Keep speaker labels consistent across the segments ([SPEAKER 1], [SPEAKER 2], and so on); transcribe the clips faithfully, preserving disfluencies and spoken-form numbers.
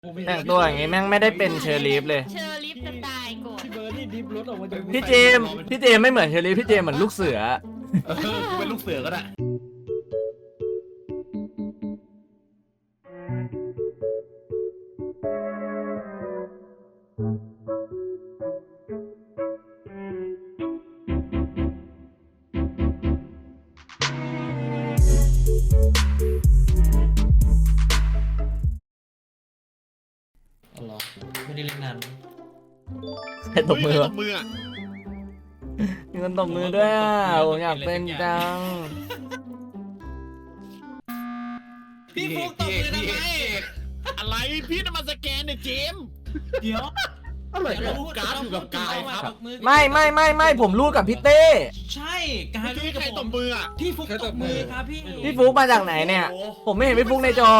[SPEAKER 1] แต่งตัวอย่างงี้แม่งไม่ได้เป็นเชอร์ลีฟเลย
[SPEAKER 2] เชอร์ลิฟจะตายก่อน
[SPEAKER 3] พี่เบิร์ดนี่ดิฟรถออกมาจาก
[SPEAKER 1] พี่เจมส์พี่เจมส์ไม่เหมือนเชอร์ลีฟพี่เจมส์เหมือนลูกเสือ
[SPEAKER 4] เออกูเป็นลูกเสือก็ได้
[SPEAKER 3] อ๋อเหรอไม่ได้เล่นนาน
[SPEAKER 1] ใครตบมือ
[SPEAKER 4] ต
[SPEAKER 1] วะ
[SPEAKER 4] บมืออ่ะ
[SPEAKER 1] มีคนตบมือด้วยอ่ะผมอยากเป็นจัง
[SPEAKER 3] พี่ฟุกตบมือทำไม
[SPEAKER 4] อะไรพี่จะมาสแกนเนี่ยเจมส์
[SPEAKER 3] เดี๋ยว
[SPEAKER 4] อะไรเนี่ยการ์ดอยู่กับกายครับ
[SPEAKER 1] ไม่ไม่ไม่ไม่ผมรู้กับพี่เต้
[SPEAKER 3] ใช่กาย
[SPEAKER 4] พี่
[SPEAKER 3] รู้กับ
[SPEAKER 4] ใคร
[SPEAKER 3] ผ
[SPEAKER 4] ตบ
[SPEAKER 3] ม
[SPEAKER 4] มืออ่ะ
[SPEAKER 3] พี่ฟุกตบมือครับพี่
[SPEAKER 1] พี่ฟุกมาจากไหนเนี่ย ผมไม่เห็นพี่ฟุกในจอ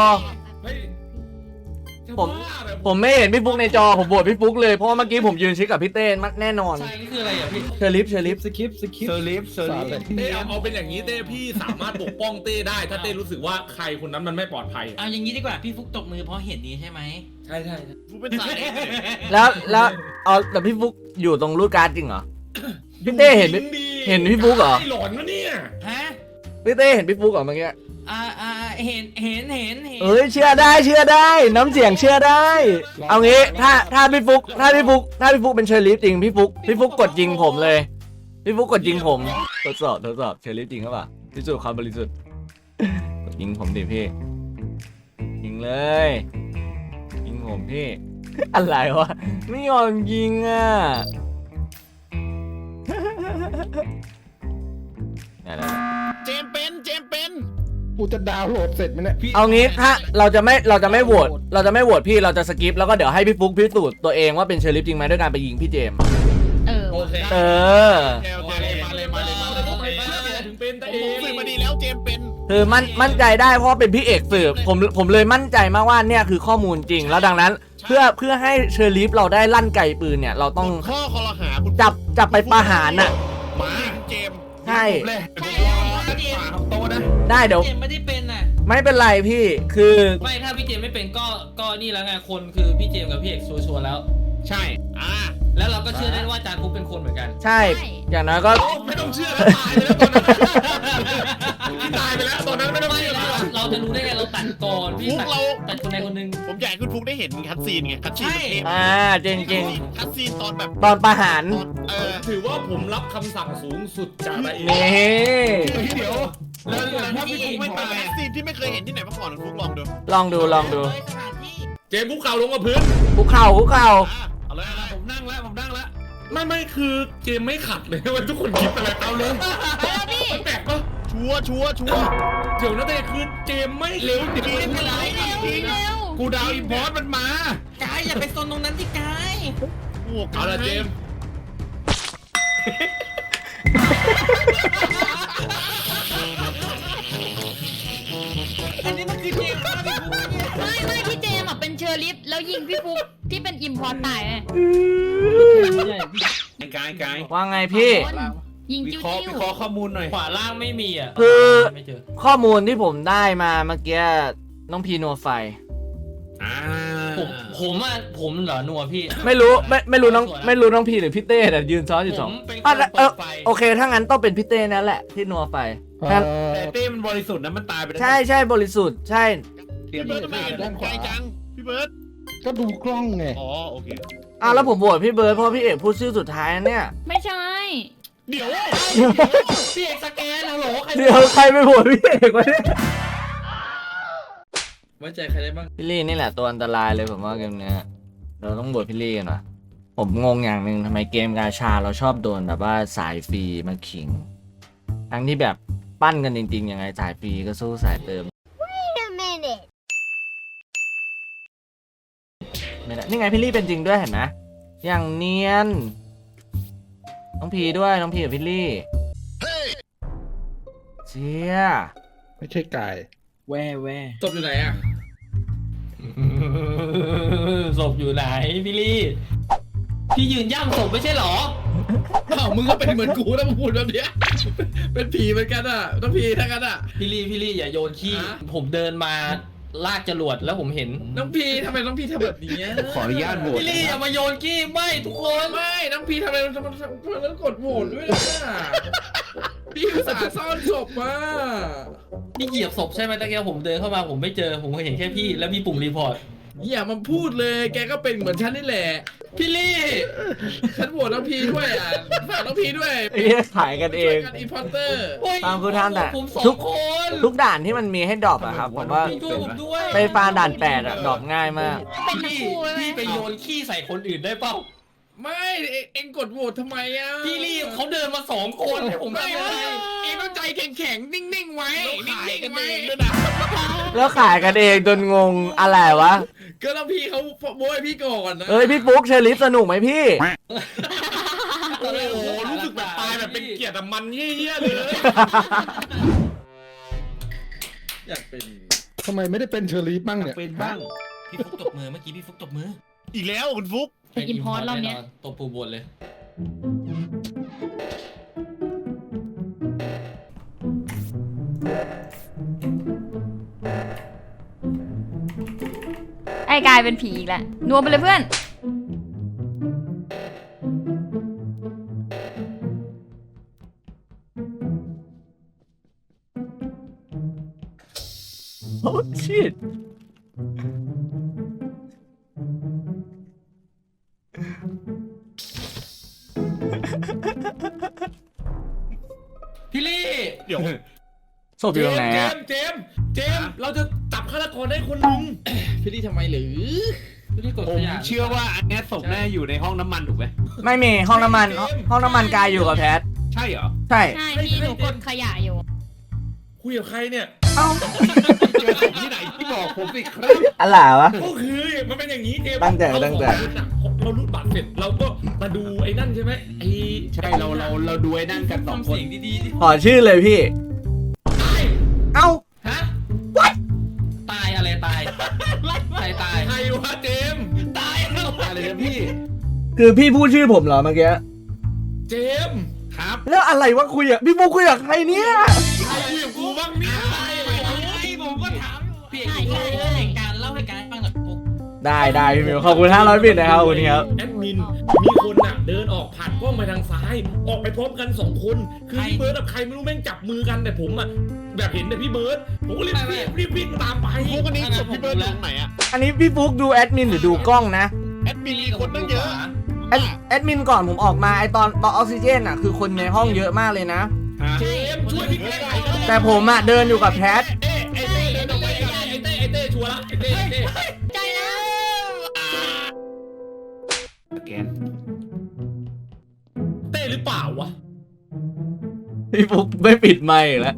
[SPEAKER 1] ผมผมไม่เห็นพี่ฟุกในจอผมโหวตพี่ฟุกเลยเพราะว่าเมื่อกี้ผมยืนชิดกับพี่เต้มันแน่นอน
[SPEAKER 3] ใช่นี่คืออะไรอ่ะพี่
[SPEAKER 1] เชอร์ลิฟเชอร์ลิฟ
[SPEAKER 5] สคริปต์สคริป
[SPEAKER 4] เซอ
[SPEAKER 5] ต์
[SPEAKER 4] ร์ลิฟเซอร์ลิฟ
[SPEAKER 6] เต้เอาเป็นอย่างนี้เต้พี่สามารถปกป้องเต้ได้ ถ้าเต้รู้สึกว่าใครคนนั้นมันไม่ปลอดภัย
[SPEAKER 3] เอาอย่างนี้ดีกว่าพี่ฟุกตบมือเพราะเห็นนี้ใช่ไหม
[SPEAKER 6] ใช่ใช่
[SPEAKER 4] กูเป็นสายเอง
[SPEAKER 1] แล้วแล้วเอาแต่พี่ฟุกอยู่ตรงรูดการ์ดจริงเหรอพี่เต้เห็นพี่เห็นพี่ฟุกเหรอ
[SPEAKER 6] หลอนนะเนี่ย
[SPEAKER 3] ฮะ
[SPEAKER 1] พี่เต้เห็นพี่ฟุกเหรอเมื่อกี้
[SPEAKER 3] อ่าอ่าเห็นเห็นเห็นเห็น
[SPEAKER 1] เอ้ยเชื่อได้เชื่อได้ น้ำเสียงเชื่อได้ เอางี้ถ้าถ้าพี่ฟุกถ้าพี่ฟุกถ้าพี่ฟุกเป็นเชอร์ลิฟจริงพี่ฟุกพี่ฟุกกดยิงผมเลยพี่ฟุกกดยิงผมทดสอบทดสอบเชอร์ลิฟจริงครับป่ะพิสูจน์ความบริสุทธิ์กดยิงผมดิพี่ยิงเลยยิงผมพี่ อะไรวะไม่ยอมยิงอ่ะได้ได้
[SPEAKER 4] เจมส์เป็นเจมส์เป็น
[SPEAKER 5] กูจะดาวน์โหลดเสร็จไหมเนี่ย
[SPEAKER 1] เอางี้ถ้าเราจะไม่เราจะไม่โหวตเราจะไม่โหวตพี่เราจะสกิปแล้วก็เดี๋ยวให้พี่ฟุกพิสูจน์ตัวเองว่าเป็นเชอร์ลิฟจริงไหมด้วยการไปยิงพี่เจมส์
[SPEAKER 2] เออ
[SPEAKER 6] โอเค
[SPEAKER 1] เออ
[SPEAKER 4] โอเคโอเคมาเลยมาเลยมาเลย
[SPEAKER 6] ทำไมถึงเป็นตา
[SPEAKER 4] ผ
[SPEAKER 6] เอ
[SPEAKER 4] ม
[SPEAKER 6] ง
[SPEAKER 4] สืบมาดีแล้วเจมส์เป็น
[SPEAKER 1] คือมั่นมั่นใจได้เพราะว่าเป็นพี่เอกสืบผมผมเลยมั่นใจมากว่าเนี่ยคือข้อมูลจริง แล้วดังนั้นเพื่อเพื่อให้เชอร์ลิฟเราได้ลั่นไกปืนเนี่ยเราต้อง
[SPEAKER 4] ข้อคอรหาคุณ
[SPEAKER 1] จับจับไปประหารน่ะ
[SPEAKER 4] มาเจมส์
[SPEAKER 1] ใช่
[SPEAKER 4] เลย
[SPEAKER 3] ใช่แล้วพี่เจมส์
[SPEAKER 4] โตนะ
[SPEAKER 1] ได้เดี๋ยว
[SPEAKER 3] เจมส์ไม่ได้เป็นน่ะ
[SPEAKER 1] ไม่เป็นไรพี่คือ
[SPEAKER 7] ไม่ถ้าพี่เจมส์ไม่เป็นก็ก็นี่แล้วไงคนคือพี่เจมส์กับพี่เอกชัวร์ๆแล้ว
[SPEAKER 4] ใช่อ่า
[SPEAKER 7] แล้วเราก็เชื่อได้ว่าจานฟุกเป็นคนเหมือนกัน
[SPEAKER 1] ใช่อย่างน้อยก็
[SPEAKER 6] ไม่ต้องเชื่อแล้วตายไปแล้วตอนนั้นตายไปแล้วตอนนั้นไม่ต้อง
[SPEAKER 7] ไม่
[SPEAKER 6] เชื่อ
[SPEAKER 7] เรา
[SPEAKER 6] แล้ว
[SPEAKER 7] เราจะรู้ได้ไงเราตัดก่อนพี่
[SPEAKER 4] ฟุก
[SPEAKER 7] ตัด
[SPEAKER 4] เรา
[SPEAKER 7] ตัดคนใดคนหนึ่ง
[SPEAKER 4] ผมอยากให้คุณฟุกได้เห็นคัดซีนไงคัดซีนมันเทพ
[SPEAKER 1] อ่าจริงจริง
[SPEAKER 4] คัดซีนตอนแบบ
[SPEAKER 1] ตอนประหาร
[SPEAKER 4] ตอนเออ
[SPEAKER 6] ถือว่าผมรับคำสั่งสูงสุดจากตาเอ
[SPEAKER 1] นี่
[SPEAKER 4] เดี๋ยวแล้วถ้าพี่ฟุกไม่ตายคัดซีนที่ไม่เคยเห็นที่ไหนมาก่อนคุณฟุกลองดู
[SPEAKER 1] ลองดูลองดู
[SPEAKER 3] สถานที่
[SPEAKER 6] เจมส์คุกเข่าลงกับพื้น
[SPEAKER 1] คุกเข่าคุกเข่า
[SPEAKER 4] อ่ะเอาเลยนะ
[SPEAKER 6] ผมนั่งแล้วผมนั่งแล้วไม่ไม่คือเจมส์ไม่ขัดเลยว่าทุกคนคิดอะไรเอาเลย
[SPEAKER 2] เออพี่
[SPEAKER 6] แปลกปะ
[SPEAKER 4] ชัวร์ชัวร์ชัวร์
[SPEAKER 6] เดี๋ยวนะแต่คือเจมส์ไม่เร็วจริง
[SPEAKER 4] ไม่เป็นไร
[SPEAKER 2] เร็วเร็ว
[SPEAKER 6] กูดาวอินพอร์ตมันมาก
[SPEAKER 3] ายอย่าไปโซนตรงนั้นที่กาย
[SPEAKER 4] โอ้
[SPEAKER 6] เอาละเจมส์
[SPEAKER 3] อันนี้มันคือเจมส์นะพี่ฟุกเนี่ย
[SPEAKER 2] ไม่ไม่พี่เจมส์อ่ะเป็นเชอร์ลิฟแล้วยิงพี่ฟุกที่เป็นอิมพอร์ตตายไง
[SPEAKER 4] กายกาย
[SPEAKER 1] ว่าไงพี่
[SPEAKER 2] ยิง
[SPEAKER 4] วิ
[SPEAKER 2] จิ้ว
[SPEAKER 4] เคราะห์
[SPEAKER 2] จิ้
[SPEAKER 4] วิ
[SPEAKER 2] ว
[SPEAKER 4] เคราะห์ข้อมูลหน่อย
[SPEAKER 7] ขวาล่างไม่มีอ่ะ
[SPEAKER 1] คือ
[SPEAKER 7] ไม่เจอ
[SPEAKER 1] ข้อมูลที่ผมได้มาเมื่อกี้น้องพีนัวไฟ
[SPEAKER 4] อ่า
[SPEAKER 7] ผมผมอ่ะผมเหรอนัวพี่
[SPEAKER 1] ไม่รู้ไม่ไม่รู้น้องไม่รู้น้องพีหรือพี่เต้แต่ยืนซ้อนอยู่
[SPEAKER 7] ผ
[SPEAKER 1] สอง
[SPEAKER 7] มเป็นค
[SPEAKER 1] อ่ะ
[SPEAKER 7] น
[SPEAKER 1] แล้วเอ
[SPEAKER 7] เปิ
[SPEAKER 1] อ
[SPEAKER 7] ดไฟ
[SPEAKER 1] โอเคถ้างั้นต้องเป็นพี่เต้นั่นแหละที่นัวไฟ
[SPEAKER 5] เอ่
[SPEAKER 1] งั้น
[SPEAKER 5] อ
[SPEAKER 4] แต่เต้มันบริสุทธิ์นะมันตายไปแล้ว
[SPEAKER 1] ใช่ใช่บริสุทธิ์ใช่
[SPEAKER 4] พี่เบิร์ดทำไมเห็นผมไกลจังพี่เบิร์ด
[SPEAKER 5] ก็ดูกล้องไง
[SPEAKER 4] อ๋อโอเค
[SPEAKER 1] อ้าวแล้วผมโหวตพี่เบิร์ดเพราะพี่เอกพูดชื่อสุดท้ายนะเนี่ย
[SPEAKER 2] ไม่ใช่
[SPEAKER 4] เดี๋ยว
[SPEAKER 7] พี่เอกสแกนฮัลโหลใคร
[SPEAKER 1] เดี๋ยวใครไปโหวตพี่เอกวะเนี่ย
[SPEAKER 7] ไว้ใจใครได้บ้าง
[SPEAKER 1] พี่ลี่นี่แหละตัวอันตรายเลยผมว่าเกมเนี้ยเราต้องโหวตพี่ลี่กันว่ะผมงงอย่างหนึ่งทำไมเกมกาชาเราชอบโดนแบบว่าสายฟรีมาขิง ทั้งที่แบบปั้นกันจริงๆยังไงสายฟรีก็สู้สายเติมไม่ได้นี่ไงพี่ลี่เป็นจริงด้วยเห็นไหมอย่างเนียนน้องพีด้วยน้องพีกับพี่ลี่เชี่ย
[SPEAKER 5] ไม่ใช่ไก่
[SPEAKER 3] แว่แว่
[SPEAKER 6] จบอยู่ไหนอ่ะ
[SPEAKER 7] ศพอยู่ไหนพี่ลี่พี่ยืนย่ำศพไม่ใช่เหรอ
[SPEAKER 6] อ้าวมึงก็เป็นเหมือนกูนะมึงพูดแบบเนี้ยเป็นผีเหมือนกันอ่ะต้องผีทั้งกันอ่ะ
[SPEAKER 7] พี่ลี่พี่ลี่อย่าโยนขี้
[SPEAKER 6] ฮะ
[SPEAKER 7] ผมเดินมาลากจรวดแล้วผมเห็น
[SPEAKER 6] น้องพีทำไมน้องพีทำแบบนี้
[SPEAKER 5] ขออนุญาตโหวต
[SPEAKER 7] พี่ลี่อย่ามาโยนกี้ไม่ทุกคน
[SPEAKER 6] ไม่น้องพีทำไมทำไมทำไมต้องกดโหวตด้วยล่ะพี่อุตส่าห์ซ่อนศพมา
[SPEAKER 7] นี่เหยียบศพใช่ไหมตะเกียบผมเดินเข้ามาผมไม่เจอผมเห็นแค่พี่แล้วมีปุ่มรีพอร์ต
[SPEAKER 6] อย่ามาพูดเลยแกก็เป็นเหมือนฉันนี่แหละ
[SPEAKER 7] พี่ลี่
[SPEAKER 6] ฉันโหวตน้องพีด้วยอ่ะฝากน้องพีด้วย
[SPEAKER 1] ไอ้เหี้ยขายกันเอง
[SPEAKER 6] ช่วยกันอีพอร์เตอร์
[SPEAKER 7] โอ้ย
[SPEAKER 1] ตามคือท่านแต่
[SPEAKER 7] ผมสอ
[SPEAKER 1] ทุ
[SPEAKER 7] ง
[SPEAKER 1] ก
[SPEAKER 7] คน
[SPEAKER 1] ทุกด่านที่มันมีให้ดรอปอะครับผมว่า
[SPEAKER 7] ช่วยผมด้วย
[SPEAKER 1] ไปฟาด่านแปดอะดรอปง่ายมาก
[SPEAKER 2] เป็นทั้ง
[SPEAKER 7] พี่
[SPEAKER 2] คู่เลย
[SPEAKER 7] พี่ไปโยนขี้ใส่คนอื่นได้เปล่า
[SPEAKER 6] ไม่เอเอ็งกดโหวตทำไมอ่ะ
[SPEAKER 7] พี่ลี่เขาเดินมาสองคนให้ผม
[SPEAKER 6] ไม่
[SPEAKER 7] ทำอะไร
[SPEAKER 6] เอ็งต้องใจแข็งๆนิ่งๆไว้นิ่งๆไว้
[SPEAKER 1] แล้วขายกันเองจนงงอะไรวะ
[SPEAKER 6] ก็ต้องพี่เขาโบยพี่ก่อนนะ
[SPEAKER 1] เอ้ยพี่ฟุกเชอริฟสนุกไหมพี่
[SPEAKER 6] โอ้โหรู้สึกแบบตายแบบเป็นเกียรติแต่มันเยี่ยๆเลยอยากเป็น
[SPEAKER 5] ทำไมไม่ได้เป็นเชอรี่บ้างเนี่ย
[SPEAKER 3] เป็นบ้าง
[SPEAKER 7] พี่ฟุกตบมือเมื่อกี้พี่ฟุกตบมือ
[SPEAKER 4] อีกแล้วคุณฟุก
[SPEAKER 2] ไปกินพอสรอบเนี้ย
[SPEAKER 7] ตบปูบนเลย
[SPEAKER 2] ไอ้กลายเป็นผีอีกแล้วนัวไปเลยเพื่อน
[SPEAKER 1] โอ้ shit
[SPEAKER 7] พี่ลี่
[SPEAKER 4] เดี๋ยว
[SPEAKER 1] ศพอยู่ตรงไหน
[SPEAKER 6] เจ
[SPEAKER 1] อะ
[SPEAKER 6] มส์เจมส์เจมส์เราจะจับฆาตกรได้คนหนึงพี่ลี่ทำไมหรือ
[SPEAKER 7] พี่ลี่กด
[SPEAKER 3] ผ
[SPEAKER 7] ข
[SPEAKER 3] ม
[SPEAKER 7] ยะ
[SPEAKER 3] เชื่อว่าอันเนี้ยศพแน่อยู่ในห้องน้ำมันถูกไหม
[SPEAKER 1] ไม่มีห้องน้ำมัน ห้องน้ำมันกายอยู่กับแพท
[SPEAKER 3] ใช่เหรอ
[SPEAKER 1] ใช่
[SPEAKER 2] ใช่พี่หนูกดขยะอยู่
[SPEAKER 6] คุยกับใครเนี่ย
[SPEAKER 1] เอ้า
[SPEAKER 3] เจอศพที่ไหนที่บอกผมสิครับ
[SPEAKER 1] อะไรวะ
[SPEAKER 6] ก็คือมันเป็นอย่างนี้เจมส์
[SPEAKER 1] ตั้งใจ
[SPEAKER 6] เรา
[SPEAKER 1] ตั้งใจ
[SPEAKER 6] เรารูดบัตรเสร็จเราก็มาดูไอ้นั่นใช่ไหมไอ้
[SPEAKER 3] ใช่เราเราเราดูไอ้นั่นกันสองคน
[SPEAKER 7] เสียงดีๆดิ
[SPEAKER 1] ขอชื่อเลยพี่ เอ้า
[SPEAKER 7] ฮะ what ตายอะไรตายใครตาย
[SPEAKER 6] ใครวะเจมส์
[SPEAKER 7] ตายแล้ว
[SPEAKER 3] อะไรนะพี่
[SPEAKER 1] คือพี่พูดชื่อผมเหรอเมื่อกี้
[SPEAKER 6] เจมส์
[SPEAKER 3] ครับ
[SPEAKER 1] แล้วอะไรวะคุยอะพี่ฟุกคุยกับใครเนี่ย
[SPEAKER 6] ใครคุยกับกูบ้างเนี่ย
[SPEAKER 7] ผมก็ถามพี่เอก
[SPEAKER 2] ใช่ใช่ใช่
[SPEAKER 7] เหตุการณ์เล่าให้การฟังหน่อยปุ๊บ
[SPEAKER 1] ได้ได้พี่มิวขอบคุณห้าร้อยบิตนะครับขอบคุณครับ
[SPEAKER 6] แอดมินมีคนน่ะเดินออกผ่านกล้องไปทางซ้าย ออกไปพร้อมกันสองคนคือพี่เบิร์ดกับใครไม่รู้แม่งจับมือกันแต่ผมอ่ะแบบเห็นแต่พี่เบิร์ดผมก็รีบรีบรีบวิ่งตามไป
[SPEAKER 4] ฟุกอันนี้ศพพี่เบิร์ดอยู่ตรงไหนอะ
[SPEAKER 1] อันนี้พี่ฟุกดูแอดมินหรือดูกล้องนะ
[SPEAKER 4] แอดมินมีคนตั้งเยอะ
[SPEAKER 1] แอดแอดมินก่อนผมออกมาไอตอนตอนออกซิเจนอะคือคนในห้องเยอะมากเลยนะ
[SPEAKER 6] เจมส์ช่วยพี่แก้ไขหน่อย
[SPEAKER 1] แต่ผมอะเดินอยู่กับแพท
[SPEAKER 6] เอ้ไอ้เต้เดินออกไปกับไอ้เต้ไอ้เต้ชัวร์ละไอ้เต้ไอ้เต้
[SPEAKER 2] ใจแล้ว
[SPEAKER 3] แกน
[SPEAKER 6] เต้หรือเปล่าวะ
[SPEAKER 1] พี่ฟุกไม่ปิดไมค์อีกแล้ว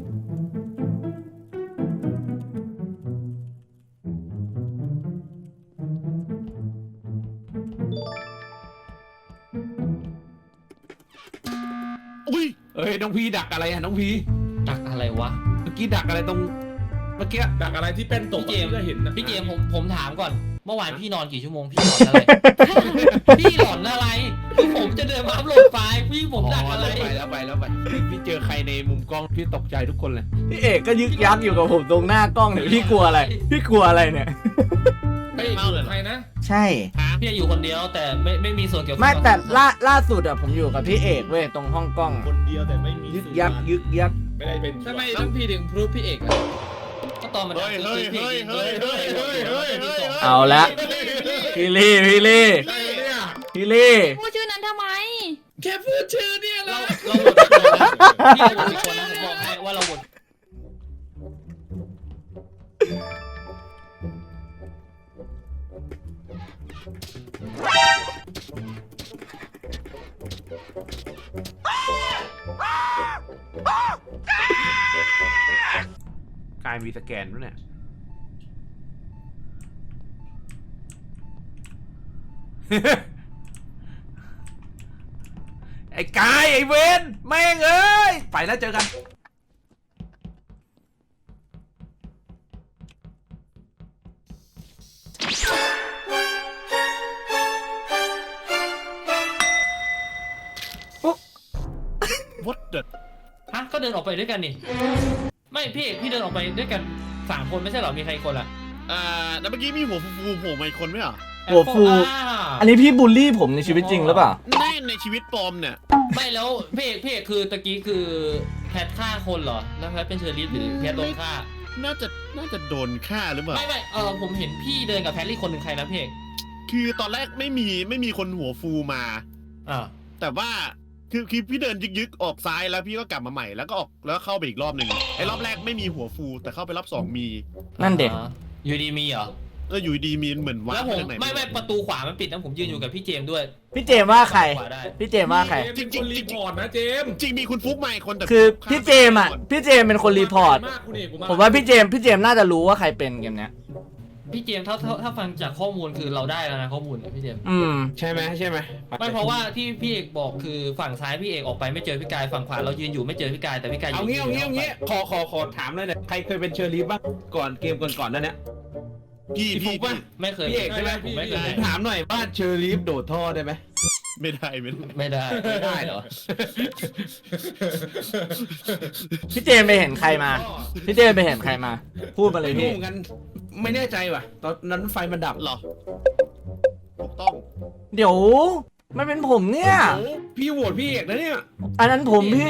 [SPEAKER 4] อุ้ย
[SPEAKER 3] เอ้ยน้องพีดักอะไรอะน้องพี
[SPEAKER 7] ดักอะไรวะ
[SPEAKER 3] เมื่อกี้ดักอะไรตรงเมื่อกี้
[SPEAKER 6] ดักอะไรที่เป็นตก
[SPEAKER 7] พี่เจมส์
[SPEAKER 6] ก็เห็นนะ
[SPEAKER 7] พี่เจมส์ผมผมถามก่อน เมื่อวานพี่นอนกี่ชั่วโมงพี่หลอนอะไร พี่หลอนอะไรคือผมจะเดินมาอัพโหลดไฟล์พี่ผมดักอะไร
[SPEAKER 3] ไปแล้วไปแล้วไปพี่เจอใครในมุมกล้องพี่ตกใจทุกคนเลย
[SPEAKER 1] พี่เอกก็ยึกยักอยู่กับผมตรงหน้ากล้องเนี่ยพี่กลัวอะไร พี่กลัวอะไรเนี่ย
[SPEAKER 6] ไม่อยู่ใครนะ
[SPEAKER 1] ใช่
[SPEAKER 7] พี่อยู่คนเดียวแต่ไม่ไม่มีส่วนเกี่ยวข้อง
[SPEAKER 1] ไม่แต่ล่าล่าสุดอะผมอยู่กับพี่เอกเว้ยตรงห้องกล้องอะ
[SPEAKER 6] คนเดียวแต่ไม่มี
[SPEAKER 1] ยึกยักยึกยัก
[SPEAKER 6] ไม่ได้เป็นทำไมต้องพี่ถึงพรูฟพี่เอกอะ
[SPEAKER 7] ก็ตอนมัน
[SPEAKER 4] เฮ้ยเฮ้ยเฮ้ยเฮ้ยเฮ้ยเฮ้ยเฮ้ยเฮ้ย
[SPEAKER 1] เอาละพี่ลี่พี่ลี่
[SPEAKER 6] ใครเนี่ย
[SPEAKER 1] พี่ลี่
[SPEAKER 2] พูดชื่อนั้นทำไม
[SPEAKER 6] แค่พูดชื่อเนี่ย
[SPEAKER 7] เรา
[SPEAKER 6] นะ
[SPEAKER 7] เราหมดทุกคนนะพี่เราหมดทุกคนนะผมบอกให้ว่าเราหมด
[SPEAKER 3] กายมีสแกนด้วยเนี่ย ไอ้กายไอ้เวนแม่งเอ้ยไปแล้วเจอกัน
[SPEAKER 4] วัดเด็ด
[SPEAKER 7] ฮะก็เดินออกไปด้วยกันนี่ไม่พี่พี่เดินออกไปด้วยกันสามคนไม่ใช่เหรอมีใครอีกคนล่ะ
[SPEAKER 4] อ่าแล้วเมื่อกี้มีหัวฟูๆโผล่มาอีกคนไหมเหรอ
[SPEAKER 1] หัวฟู อันนี้พี่บูลลี่ผมในชีวิตจริงหรือเปล่า
[SPEAKER 4] ในในชีวิตปลอมเนี่ย
[SPEAKER 7] ไม่แล้วพี่เอกพี่เอกคือตะกี้คือแพทฆ่าคนเหรอแล้วแพทเป็นเชอรี่หรือแพทโดนฆ่า
[SPEAKER 4] น่าจะน่าจะโดนฆ่าหรือเปล่า
[SPEAKER 7] ไม่ไม่เออผมเห็นพี่เดินกับแพทลี่คนหนึ่งใครนะพี่เอก
[SPEAKER 4] คือตอนแรกไม่มีไม่มีคนหัวฟูมา
[SPEAKER 7] อ่า
[SPEAKER 4] แต่ว่าคือคือพี่เดินยึกๆออกซ้ายแล้วพี่ก็กลับมาใหม่แล้วก็ออกแล้วเข้าไปอีกรอบหนึ่งไอ้รอบแรกไม่มีหัวฟูแต่เข้าไปรอบสองมี
[SPEAKER 1] นั่นเด็ก
[SPEAKER 7] อยู่ดีมีเหรอ
[SPEAKER 4] เอออยู่ดีมีเหมือนว่า
[SPEAKER 7] แล้วผม
[SPEAKER 4] ทางไหน
[SPEAKER 7] ไม่ไม่ประตูขวามันปิดนะผมยืนอยู่กับพี่เจมส์ด้วย
[SPEAKER 1] พี่เจมส์ว่าใคร
[SPEAKER 7] ขวาได้
[SPEAKER 1] พี่เจมส์ว่าใคร
[SPEAKER 6] จริงจริงรีพอร์ตนะเจมส์
[SPEAKER 4] จริงมีคุณฟุกมาอีกคนแต่
[SPEAKER 1] คือพี่เจมส์อ่ะ พี่เจมส์เป็นคนรีพอร์ต
[SPEAKER 6] มากคุณเอก
[SPEAKER 1] ผมว่าพี่เจมส์พี่เจมส์น่าจะรู้ว่าใครเป็นเกมเนี้ย
[SPEAKER 7] พี่เจมส์ถ้าถ้าถ้าฟังจากข้อมูลคือเราได้แล้วนะข้อมูลเนี่ยพี่เจมส์
[SPEAKER 1] อืม
[SPEAKER 5] ใช่ไหมใช่ไหม
[SPEAKER 7] ไม่เพราะว่าที่พี่เอกบอกคือฝั่งซ้ายพี่เอกออกไปไม่เจอพี่กายฝั่งขวาเรายืนอยู่ไม่เจอพี่กายแต่พี่กาย
[SPEAKER 5] เอางี้เอางี้เอางี้ขอขอขอถามเลยเนี่ยใครเคยเป็นเชอร์ลีฟบ้างก่อนเกมก่อนก่อนๆนั่นเนี่ย
[SPEAKER 4] พี่
[SPEAKER 5] พี่ฟุ
[SPEAKER 4] พี่
[SPEAKER 5] กป่ะ
[SPEAKER 7] ไม่เคย
[SPEAKER 5] พี่เอกใช่ไหม
[SPEAKER 7] ผมไม่เคย
[SPEAKER 5] ถามหน่อยว่าเชอร์ลีฟโดดท่อได้ไหม
[SPEAKER 4] ไม่ได้ไม่ได้
[SPEAKER 7] ไม่ได้
[SPEAKER 5] ไม่ได้เหรอ
[SPEAKER 1] พี่เจมส์ไปเห็นใครมา พี่เจมส์ไปเห็นใครมา พูดมาเลย
[SPEAKER 5] ไม่รู้
[SPEAKER 1] พี่
[SPEAKER 5] เหมือนกันไม่แน่ใจว่ะตอนนั้นไฟมันดับ
[SPEAKER 4] หรอถูกต้อง
[SPEAKER 1] เดี๋ยวมันเป็นผมเนี่ย
[SPEAKER 5] โอ้พี่โหวตพี่เอกนะเนี่ย
[SPEAKER 1] อันนั้นผมพี่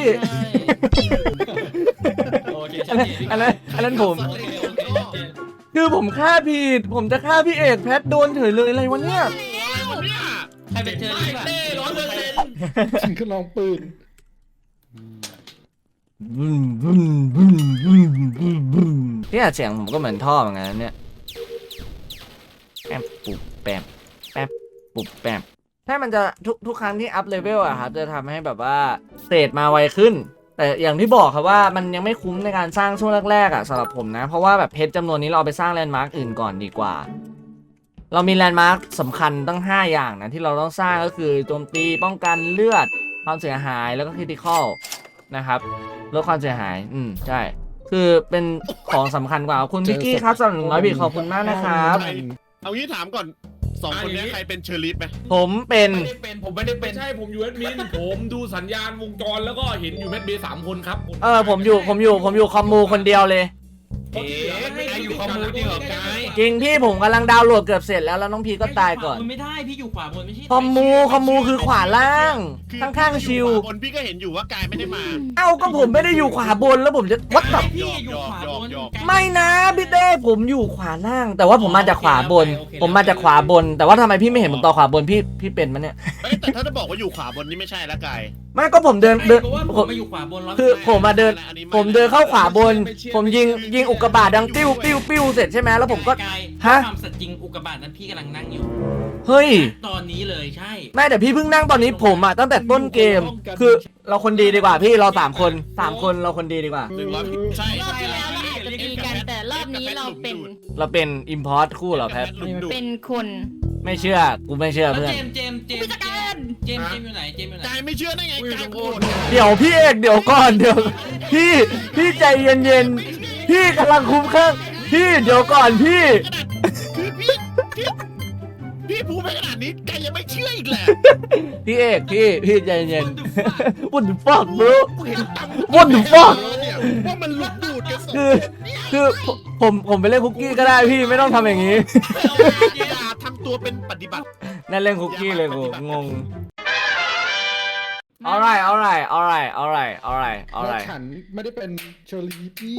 [SPEAKER 7] โอเค
[SPEAKER 1] อันนั้นอันนั้นอันนั้นผม
[SPEAKER 7] โอเคโอเคโอเค
[SPEAKER 1] คือผมฆ่าผิด ผมจะฆ่าพี่เอกแพทโดนเฉยเลยอะไรวะเนี่ย
[SPEAKER 4] อะไรวะเนี่ย
[SPEAKER 7] ใครเป็นเชอรี่ป่ะ
[SPEAKER 6] เต้ร้อยเปอร์เซ็นต์
[SPEAKER 5] ถึงก็ลองปืน
[SPEAKER 1] บึ้มบึ้มบึ้มบึ้มบึ้มบึ้มเนี่ยเสียงผมก็เหมือนท่อเหมือนกันนะเนี่ยแป๊บปุบแป๊บแป๊บปุบแป๊บถ้ามันจะทุกทุกครั้งที่อัพเลเวลอะครับจะทำให้แบบว่าเศษมาไวขึ้น แต่อย่างที่บอกครับว่ามันยังไม่คุ้มในการสร้างช่วงแรกๆอะสำหรับผมนะ เพราะว่าแบบเพชรจำนวนนี้เราเอาไปสร้างแลนด์มาร์กอื่นก่อนดีกว่า เรามีแลนด์มาร์กสำคัญตั้งห้าอย่างนะที่เราต้องสร้างก็คือโจมตีป้องกันเลือดความเสียหายแล้วก็คริติคอลนะครับลดความเสียหายอืมใช่คือเป็นของสำคัญกว่าคุณพิกกี้ครับสำหรับหนึ่งร้อยบิตขอบคุณมากนะครับ
[SPEAKER 4] เอางี้ถามก่อนสองคนเนี้ยใครเป็นเชอร์ลีฟไหม
[SPEAKER 1] ผมเป็น
[SPEAKER 5] ไม่ได้เป็นผมไม่ได้เป็
[SPEAKER 6] ไม่
[SPEAKER 5] น
[SPEAKER 6] ใช่ผมอยู่แอดมินผมดูสัญญาณวงจรแล้วก็เห็นอยู่แมทเบย์สามคนครับ
[SPEAKER 1] เออผมอยู่ผมอยู่ผมอยู่คอมมูคนเดียวเลย
[SPEAKER 5] เอ๊ะกายอยู่คอมมูจริงเหรอกาย
[SPEAKER 1] จริงพี่ผมกำลังดาวน์โหลดเกือบเสร็จแล้วแล้วน้องพีก็ตายก่อน
[SPEAKER 7] มันไม่ได้พี่อยู่ขวาบนไม่ใช่
[SPEAKER 1] คอมมูคอมมูคือขวาล่าง
[SPEAKER 4] คือ
[SPEAKER 1] ข้างๆชิว
[SPEAKER 4] พี่อยู่ขวาบนพี่ก็เห็นอยู่ว่ากายไม่ได้มา
[SPEAKER 1] เอ้าก็ผมไม่ได้อยู่ขวาบนแล้วผมจะวัดแบบ
[SPEAKER 7] พี่อยู่ขวาบน
[SPEAKER 1] ไม่นะพี่เต้ผมอยู่ขวาล่าง แต่ว่าผมมาจากขวาบน ผมมาจากขวาบน แต่ว่าทำไมพี่ไม่เห็นผมต่อขวาบนพี่พี่เป็นมันเนี่ย
[SPEAKER 4] เอ้ยแต่ถ้าจะบอกว่าอยู่ขวาบนนี่ไม่ใช่ละกาย
[SPEAKER 1] ไม่ก็ผมเดินเดิน
[SPEAKER 7] เพราะว่า
[SPEAKER 1] ผ
[SPEAKER 7] ผม
[SPEAKER 1] ม
[SPEAKER 7] มาอยู่ขวาบนแล้ว
[SPEAKER 1] คือผมมาเดิน
[SPEAKER 4] อันนี้ไ
[SPEAKER 1] ผมเดินเข้าขวาบน ผมยิงยิงอุกกาบาตดังปิ้วปิ้วปิ้วเสร็จใช่ไหมแล้วผมก็
[SPEAKER 8] กาย
[SPEAKER 1] ฮะ
[SPEAKER 8] ความสัตย์จริงอุกกาบาตนั้นพี่กำลังนั่งอยู่
[SPEAKER 1] เฮ้ย
[SPEAKER 8] ตอนนี้เลยใช่
[SPEAKER 1] แม่แต่พี่เพิ่งนั่งตอนนี้ผมอะตั้งแต่ต้นเกม คือเราคนดีดีกว่าพี่เราสามคนสามคนเราคนดีดีกว่า
[SPEAKER 4] หนึ่งร้อยใช่
[SPEAKER 2] รอบที่แล้วเราอาจจะตีกันแต่รอบนี้เราเป็น
[SPEAKER 1] เราเป็นอิมพอร์ตคู่เหรอแพท
[SPEAKER 2] เป็นคน
[SPEAKER 1] ไม่เชื่อกูไม่เชื่อ
[SPEAKER 8] แล้ว
[SPEAKER 1] เพื่อน
[SPEAKER 8] เจมส์เจมส์เจม
[SPEAKER 2] ผู้
[SPEAKER 8] ส์
[SPEAKER 2] จัดการ
[SPEAKER 8] เจมส์เจมส์อยู่ไหนเจมส์อยู่ไหน
[SPEAKER 4] กายไม่เชื่อได้ไงกายโกรธ
[SPEAKER 1] เดี๋ยวพี่เอกเดี๋ยวก่อนเดี๋ยวพี่พี่ใจเย็นๆพี่กำลังคุ้มเครื่องพี่เดี๋ยวก่อนพี่
[SPEAKER 4] คือพี่พี่พี่พูดไปขนาดนี้กายยังไม่เชื่ออีกแหละ
[SPEAKER 1] พี่เอกพี่พี่ใจเย็น What the fuck bro What the fuck
[SPEAKER 4] เนี่ยว่ามันหลุดดูดกันสอง
[SPEAKER 1] คือคือผมผมผมไปเล่นคุกกี้ก็ได้พี่ไม่ต้องทำอย่างนี้
[SPEAKER 4] อย่าทำตัวเป็นปฏิบัติ
[SPEAKER 1] นั่นเล่นคุกกี้เลยกูงง alright alright alright alright alright
[SPEAKER 5] แล้ว
[SPEAKER 1] alright
[SPEAKER 5] ฉันไม่ได้เป็นเชอร์ลีฟเนี่ย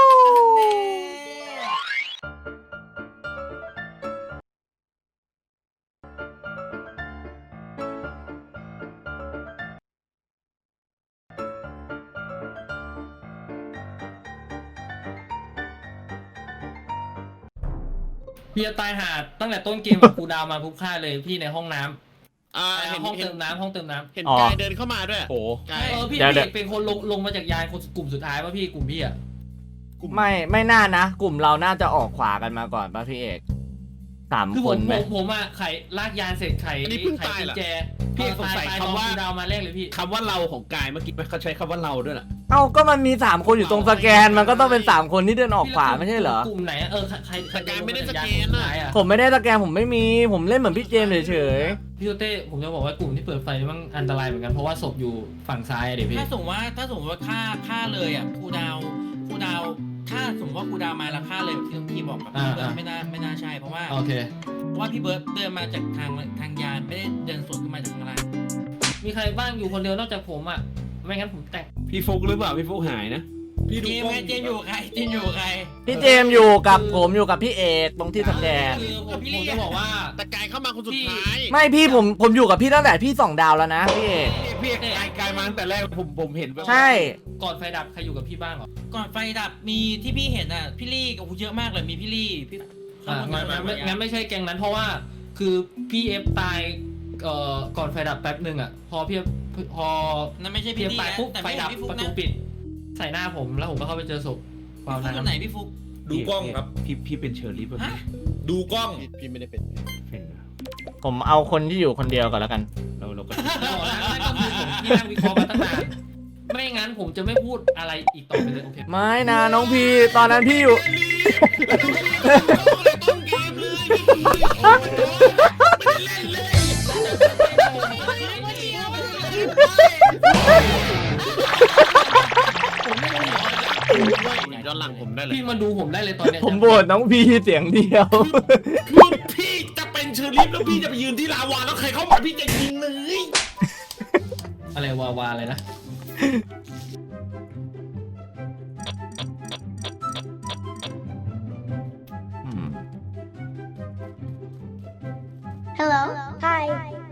[SPEAKER 7] พี่จะตายหาตั้งแต่ต้นเกมกับครูดาวมาปุ๊บฆ่าเลยพี่ในห้องน้ำ
[SPEAKER 4] อ่า
[SPEAKER 7] เอ่อ
[SPEAKER 4] เห็น
[SPEAKER 7] ห้อง
[SPEAKER 4] เห็น
[SPEAKER 7] เติมน้ำห้องเติมน้ำ
[SPEAKER 4] เห็น
[SPEAKER 1] อ๋อ
[SPEAKER 4] กายเดินเข้ามาด้วย
[SPEAKER 5] โอ้
[SPEAKER 4] กาย
[SPEAKER 7] เออพี่
[SPEAKER 1] เดี๋ยว
[SPEAKER 7] พี่
[SPEAKER 1] เดี๋ยว
[SPEAKER 7] เป็นคนลงลงมาจากยานคนกลุ่มสุดท้ายป่ะพี่กลุ่มพี่อะ
[SPEAKER 1] ไม่ไม่น่านะ กลุ่มเราน่าจะออกขวากันมาก่อนป่ะพี่เอกสาม
[SPEAKER 7] คือ
[SPEAKER 1] ค
[SPEAKER 7] ผม
[SPEAKER 1] น
[SPEAKER 7] ผ
[SPEAKER 1] ไหม
[SPEAKER 7] มผมอะไขลากยานเสร็จไข
[SPEAKER 4] อันนี้เพิ่ง
[SPEAKER 7] ไข
[SPEAKER 4] ตาย
[SPEAKER 7] กุ
[SPEAKER 4] เหร
[SPEAKER 7] ญ
[SPEAKER 4] อ
[SPEAKER 7] แจ
[SPEAKER 5] พี่สงสัย
[SPEAKER 7] ตา
[SPEAKER 5] คำว่า
[SPEAKER 7] ตอนครูดาวมาแรกเลยพี่
[SPEAKER 5] คำว่าเราของกายเมื่อกี้เขาใช้คำว่าเราด้วยล่ะ
[SPEAKER 1] เอ้าก็มันมีสามคนอยู่ตรงสแกนมันก็ต้องเป็นสามคนที่เดินออกขวาไม่ใช่เหรอ
[SPEAKER 7] กลุ่มไหนอะเออใครใครใคร
[SPEAKER 4] แต่กายไม่ได้สแกน
[SPEAKER 7] ลงมา
[SPEAKER 4] น่ะ
[SPEAKER 7] จากยาคสุดท้ายอะ
[SPEAKER 1] ผมไม่ได้สแกนผมไม่มีผมเล่นเหมือนพี่เจมส์เฉย
[SPEAKER 7] พี่โตเต้ผมจะบอกว่ากลุ่มที่เปิดไฟนี่มันอันตรายเหมือนกันเพราะว่าศพอยู่ฝั่งซ้ายอะเดี๋ยวพี่
[SPEAKER 8] ถ้าสมมติว่าถ้าสมมติว่าฆ่าฆ่าเลยอ่ะครูดาวครูดาวถ้าสมมติว่าครูดาวมาแล้วฆ่าเลยแบบที่น้องพี่บอกกับพี่เบิร์ดไม่น่าไม่น่าใช่เพราะว่า
[SPEAKER 7] โอเค
[SPEAKER 8] เพราะว่าพี่เบิร์ดเดินมาจากทางทางยานไม่ได้เดินสวนขึ้นมาจากข้างล่าง
[SPEAKER 7] มีใครบ้างอยู่คนเดียวนอกจากผมอ่ะไม่งั้นผมแตก
[SPEAKER 5] พี่ฟุกหรือเปล่าพี่ฟุกหายนะ
[SPEAKER 6] พี่ดู
[SPEAKER 8] เจม
[SPEAKER 6] กล้อง
[SPEAKER 8] ไงเจมอยู่กับใครเจมอยู่กับใคร
[SPEAKER 1] พี่เจมส์อยู่กับผมอยู่กับพี่เอกตรงที่สแกน
[SPEAKER 7] คือผมผมจะบอกว่า
[SPEAKER 4] แต่กายเข้ามาคนสุดท้าย
[SPEAKER 1] ไม่พี่ผมผมอยู่กับพี่ตั้งแต่พี่สองดาวแล้วนะพี่เอก
[SPEAKER 5] พี่เอกกายกายมาตั้งแต่แรกผมผมเห็นแบบ
[SPEAKER 1] ใช่
[SPEAKER 7] ก่อนไฟดับใครอยู่กับพี่บ้างเหรอ
[SPEAKER 8] ก่อนไฟดับมีที่พี่เห็นอ่ะพี่ลี่โอ้โหเยอะมากเลยมีพี่ลี่พี่
[SPEAKER 7] อ่างั้นงั้นงั้นงั้นไม่ใช่แกงนั้นเพราะว่าคือพี่เอฟตายเอ่อก่อนไฟดับแป๊บหนึ่งอ่ะพอพี่พอ
[SPEAKER 8] นั่นไม่ใช่
[SPEAKER 7] พี่
[SPEAKER 8] พี่
[SPEAKER 7] เอฟ
[SPEAKER 8] ลี่
[SPEAKER 7] ตาย
[SPEAKER 8] นะ
[SPEAKER 7] ปุ๊บ
[SPEAKER 8] แต่
[SPEAKER 7] ไฟ
[SPEAKER 8] ไม่เห็
[SPEAKER 7] ดั
[SPEAKER 8] น
[SPEAKER 7] บ
[SPEAKER 8] พี่ฟุก
[SPEAKER 7] ประ
[SPEAKER 8] นะ
[SPEAKER 7] ตูปิด ใส่หน้าผมแล้วผมก็เข้าไปเจอศพเปล่า
[SPEAKER 8] พี่ฟุก
[SPEAKER 7] น้
[SPEAKER 8] คนไหนพี่ฟุก
[SPEAKER 6] ดูกล้องครับ
[SPEAKER 5] พี่พี่เป็นเชอร์ลีฟแบบ
[SPEAKER 8] ฮะ
[SPEAKER 6] ดูกล้อง
[SPEAKER 4] พี่พี่ไม่ได้เป็น
[SPEAKER 5] เป็นนะ
[SPEAKER 1] ผมเอาคนที่อยู่คนเดียวก่อนแล้วกัน
[SPEAKER 5] เราเราก็
[SPEAKER 7] ำแล้วนั่นก็คือผมที่นั่งวิเคราะห์มาตั้งนานไม่งั้นผมจะไม่พูดอะไรอีกต่อไปเลยโอเค
[SPEAKER 1] ไม่นะน้องพีตอนนั้นพี่อยู่
[SPEAKER 6] ต้นเกมเลยพี่โอ้ยไม่ได้เล่นเลย
[SPEAKER 4] ย้อนหลังผมได้เลย
[SPEAKER 7] พี่มาดูผมได้เลยตอนเนี้ย
[SPEAKER 1] ผมโหวตน้องพีเสียงเดียว
[SPEAKER 6] คือพี่จะเป็นเชอร์ลิฟแล้วพี่จะไปยืนที่ลาวาแล้วใครเข้ามาพี่จะยิงเลย
[SPEAKER 7] อะไรวาวาอะไรนะ
[SPEAKER 9] Hello. Hi.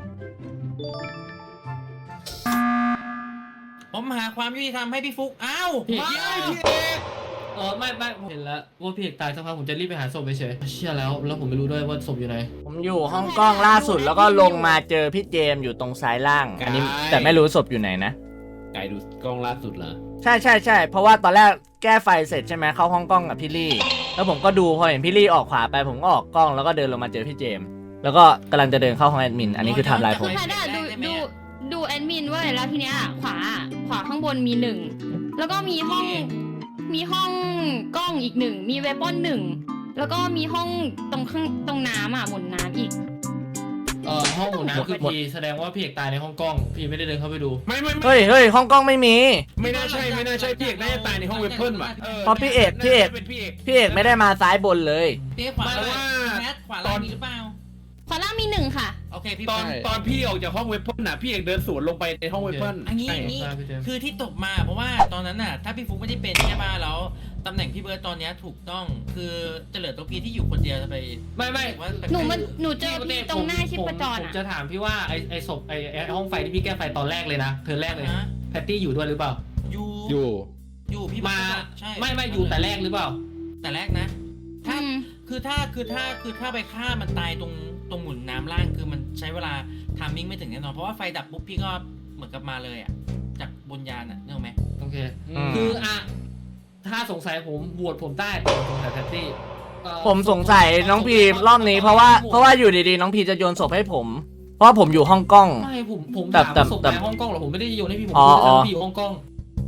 [SPEAKER 8] ผมหาความยุติธรรมให้พี่ฟุกอ้าว
[SPEAKER 7] พี่
[SPEAKER 8] ไม่
[SPEAKER 7] พี่เออไม่ไม่ผมเห็นแล้วว่าพี่เอกตายสักพักผมจะรีบไปหาศพไปเฉยเชื่อแล้วแล้วผมไม่รู้ด้วยว่าศพอยู่ไหน
[SPEAKER 1] ผมอยู่ห้องกล้องล่าสุดแล้วก็ลงมาเจอพี่เจมส์อยู่ตรงซ้ายล่าง อันนี้แต่ไม่รู้ศพอยู่ไหนนะ
[SPEAKER 5] กายดูกล้องล่าสุดเหรอ
[SPEAKER 1] ใช่ใช่ใช่เพราะว่าตอนแรกแก้ไฟเสร็จใช่ไหมเข้าห้องกล้องกับพี่ลี่ แล้วผมก็ดูพอเห็นพี่ลี่ออกขวาไปผมก็ออกกล้องแล้วก็เดินลงมาเจอพี่เจมส์แล้วก็กำลังจะเดินเข้าห้องแอดมินอันนี้คือไทม์ไลน์ผม
[SPEAKER 2] คือแพทย์อะดูดูดูแอดมินเว้ยแล้วทีเนี้ยขวาขวาข้างบนมีหนึ่งแล้วก็มีห้องมีห้องกล้องอีกหนึ่งมีเวปอนหนึ่งแล้วก็มีห้องตรงข้างตรงน้ำอ่ะหมุนน้ำอีก
[SPEAKER 7] เออห้องหมุนน้ำคือพีแสดงว่าพี่เอกตายในห้องกล้องพี่ไม่ได้เดินเข้าไปดู
[SPEAKER 5] ไม่ไม่ไม่
[SPEAKER 1] เฮ้ยเฮ้ยห้องกล้องไม่มี
[SPEAKER 5] ไม่น่าใช่ไม่น่าใช่พี่เอกน่าจะตายในห้องเวเพิลว่ะ
[SPEAKER 1] เพราะพี่เอกพี่เอก
[SPEAKER 5] เป็นพี่เอก
[SPEAKER 1] พี่เอกไม่ได้มาซ้ายบนเลย
[SPEAKER 8] พี่ขวา
[SPEAKER 5] เพราะว่า
[SPEAKER 8] แมทขวาล่างมีหรือเปล่า
[SPEAKER 2] ขวาล่างมีหนึ่งค่ะ
[SPEAKER 8] โอเคพี่
[SPEAKER 5] ตอนตอนพี่ออกจากห้องเวเพิลน่ะพี่เอกเดินสวนลงไปในห้องเวเพิล
[SPEAKER 8] อันนี้
[SPEAKER 5] ใช่
[SPEAKER 8] อันนี้
[SPEAKER 7] ใช่พี่เจมส์
[SPEAKER 8] คือที่ตกมาเพราะว่าตอนนั้นน่ะถ้าพี่ฟุกไม่ได้เป็นใช่ป่ะแล้วตำแหน่งพี่เบิร์ดตอนเนี้ยถูกต้องคือจะเหลือตัวพีที่อยู่คนเดียวจะไป
[SPEAKER 7] ไม่ไม่
[SPEAKER 8] ว่าแปลกๆ
[SPEAKER 2] หนูมันหนูเจอพี่ตรงหน้าชิปจร
[SPEAKER 7] ผม
[SPEAKER 2] อ่ะ
[SPEAKER 7] จะถามพี่ว่าไอไอศพไอไอห้องไฟที่พี่แก้ไฟตอนแรกเลยนะเธอแรกเลย
[SPEAKER 8] อ่าฮะ
[SPEAKER 7] แพตตี้อยู่ด้วยหรือเปล่า
[SPEAKER 8] อยู่
[SPEAKER 5] อยู่
[SPEAKER 8] อยู่พี่
[SPEAKER 7] มา
[SPEAKER 8] เบิร์ดใช่
[SPEAKER 7] ไม่ไม่อยู่แต่แรกหรือเปล่า
[SPEAKER 8] แต่แรกนะ ถ้า
[SPEAKER 2] อืม
[SPEAKER 8] คือถ้าคือถ้าคือถ้าไปฆ่ามันตายตรงตรงหมุนน้ำล่างคือมันใช้เวลาทามมิ่งไม่ถึงแน่นอนเพราะว่าไฟดับปุ๊บพี่ก็เหมือนกับมาเลยอ่ะจากบนยานอ่ะนึกออกไหม
[SPEAKER 7] โอเค
[SPEAKER 1] อืม
[SPEAKER 7] คืออ่ะถ้าสงสัยผมบวชผมได้แต่ผมสงสัยแพตตี้เอ่อ
[SPEAKER 1] ผมสงสัยน้องพีรอบนี้เพราะว่าเพราะว่าอยู่ดีๆน้องพีจะโยนศพให้ผม เพราะว่าผมอยู่ห้องกล้อง
[SPEAKER 7] ไม่ผมผม
[SPEAKER 1] แต่
[SPEAKER 7] ถาม
[SPEAKER 1] แต่
[SPEAKER 7] ว่าศพ
[SPEAKER 1] แต่
[SPEAKER 7] ในห้องกล้องเหรอผมไม่ได้โยนให้พี่ผม
[SPEAKER 1] อ๋อ
[SPEAKER 7] พูด
[SPEAKER 1] อ๋อ
[SPEAKER 7] ว่าพี่อยู่ห้องกล้อง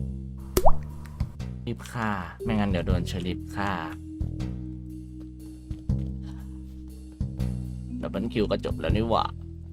[SPEAKER 1] รีบฆ่าไม่งั้นเดี๋ยวโดนเชอริฟฆ่าดับเบิลคิวก็จบแล้วนี่หว่า